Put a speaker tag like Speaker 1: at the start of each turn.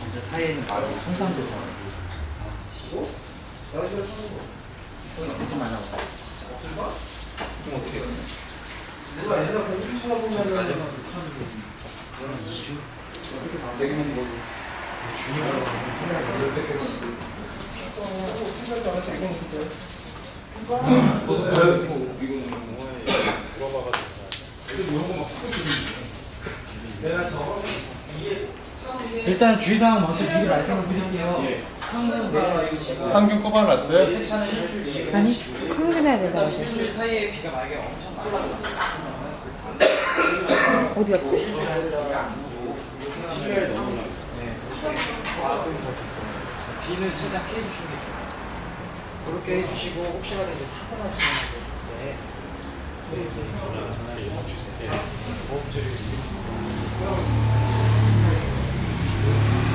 Speaker 1: 저 사이에는 바로 손상도 또 있으지 말라고.
Speaker 2: 그럼 어떻게 해요?
Speaker 3: 누가 얘네가 공부 쳐다보면은
Speaker 1: 2주?
Speaker 3: 내기만 보고
Speaker 2: 주님으로
Speaker 3: 생각도 안 했어 이건 진짜 내가 저거
Speaker 1: 일단 주의사항 먼저 미리 말씀을 드릴게요.
Speaker 4: 상균 꼽아놨어요?
Speaker 5: 아니, 항균해야 된다고 하셨어.
Speaker 1: 일주일 사이에 비가 만약에 엄청 많이
Speaker 5: 어디 갔지?
Speaker 1: 10일 넘으면 비는 최대한 피해 주시면 돼요. 그렇게 해주시고 혹시라도 이제 사고 나시면 네.
Speaker 2: 전화를 연락 주세요.